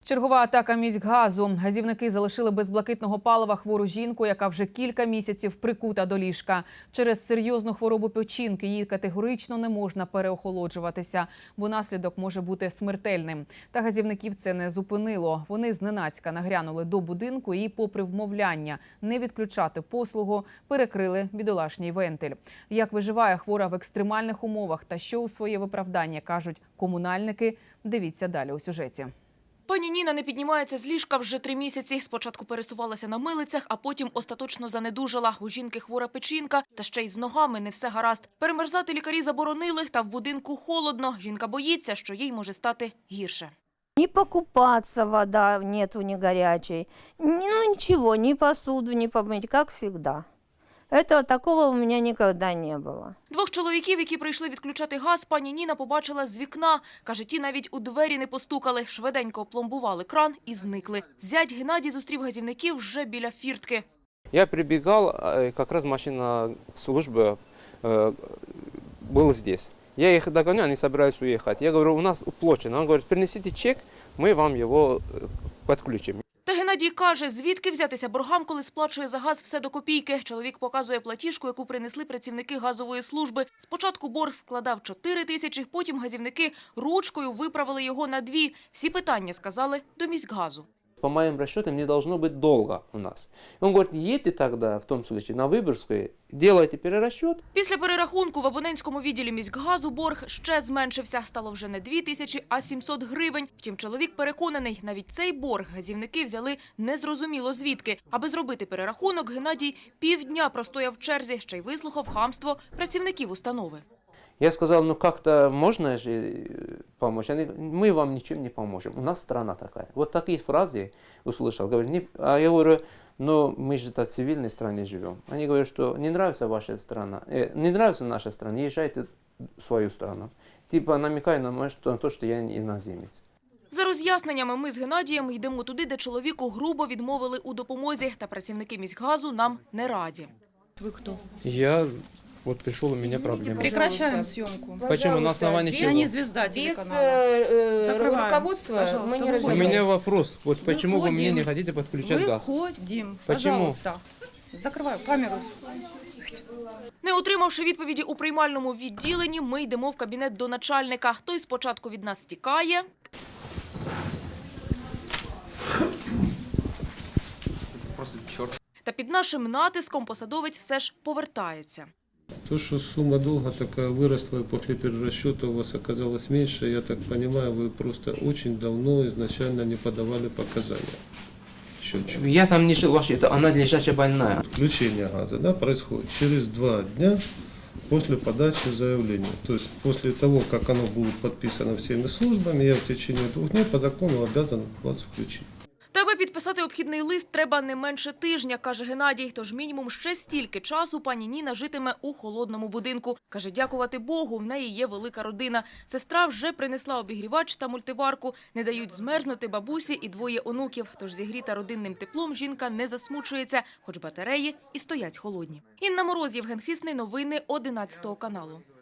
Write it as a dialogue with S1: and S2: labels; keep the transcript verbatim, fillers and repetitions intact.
S1: Чергова атака міськгазу. Газівники залишили без блакитного палива хвору жінку, яка вже кілька місяців прикута до ліжка. Через серйозну хворобу печінки їй категорично не можна переохолоджуватися, бо наслідок може бути смертельним. Та газівників це не зупинило. Вони зненацька нагрянули до будинку і, попри вмовляння не відключати послугу, перекрили бідолашній вентиль. Як виживає хвора в екстремальних умовах та що у своє виправдання кажуть комунальники, дивіться далі у сюжеті.
S2: Пані Ніна не піднімається з ліжка вже три місяці. Спочатку пересувалася на милицях, а потім остаточно занедужала. У жінки хвора печінка, та ще й з ногами не все гаразд. Перемерзати лікарі заборонили, та в будинку холодно. Жінка боїться, що їй може стати гірше.
S3: Не покупаться, вода нету, не горячей. Ну ничего, ни посуду не помыть, как всегда. Этого такого у меня никогда не было.
S2: Двох чоловіків, які прийшли відключати газ, пані Ніна побачила з вікна. Каже, ті навіть у двері не постукали, швиденько опломбували кран і зникли. Зять Геннадій зустрів газівників вже біля фіртки.
S4: Я прибегал, как раз машина службы была здесь. Я их догоняю, они собираются уехать. Я говорю, у нас уплочено. Он говорит, принесите чек, мы вам его подключим.
S2: Та Геннадій каже, звідки взятися боргам, коли сплачує за газ все до копійки. Чоловік показує платіжку, яку принесли працівники газової служби. Спочатку борг складав чотири тисячі, потім газівники ручкою виправили його на дві. Всі питання сказали до міськгазу.
S4: По моим расчетам, не должно быть долга у нас. Он говорит, едьте тогда, в том случае, на Выборгскую, делайте перерасчет.
S2: Після перерахунку в абонентському відділі міськгазу борг ще зменшився. Стало вже не дві тисячі, а сімсот гривень. Втім, чоловік переконаний, навіть цей борг газівники взяли незрозуміло звідки. Аби зробити перерахунок, Геннадій півдня простояв в черзі, ще й вислухав хамство працівників установи.
S4: Я сказал, ну как-то можно же помочь? Они, мы вам ничем не поможем, у нас страна такая. Вот такие фразы услышал. Говорю, не, а я говорю, ну мы же в цивильной стране живем. Они говорят, что не нравится ваша страна, э, не нравится наша страна, езжайте в свою страну. Типа намекая на то, что я иноземец.
S2: За роз'ясненнями ми з Геннадієм йдемо туди, де чоловіку грубо відмовили у допомозі. Та працівники міськгазу нам не раді.
S5: Вы кто?
S4: Я вот пришел, у меня проблема.
S5: Прекращаем съемку.
S4: Почему? На основании
S5: Я
S4: чего?
S5: не звезда
S6: Без
S5: телеканала.
S6: э,
S5: Закрываем.
S6: руководства
S5: Пожалуйста,
S6: мы не
S5: выходим.
S4: У
S6: разговариваем.
S4: меня вопрос. Вот почему вы мне
S5: Выходим.
S4: не хотите подключать газ?
S5: Выходим.
S4: Почему?
S5: Пожалуйста. Закрываю камеру.
S2: Не отримавши відповіді у приймальному відділенні, ми йдемо в кабінет до начальника. Той спочатку від нас тікає. Та під нашим натиском посадовець все ж повертається.
S7: То, что сумма долга такая выросла, после перерасчета у вас оказалось меньше, я так понимаю, вы просто очень давно изначально не подавали показания. Счетчик.
S4: Я там не жил вообще, это она лежачая больная.
S7: Включение газа, да, происходит через два дня после подачи заявления. То есть после того, как оно будет подписано всеми службами, я в течение двух дней по закону обязан вас включить.
S2: Та аби підписати обхідний лист треба не менше тижня, каже Геннадій. Тож мінімум ще стільки часу пані Ніна житиме у холодному будинку. Каже, дякувати Богу, в неї є велика родина. Сестра вже принесла обігрівач та мультиварку. Не дають змерзнути бабусі і двоє онуків. Тож зігріта родинним теплом жінка не засмучується, хоч батареї і стоять холодні. Інна Мороз, Євген Хисний, новини одинадцятого каналу.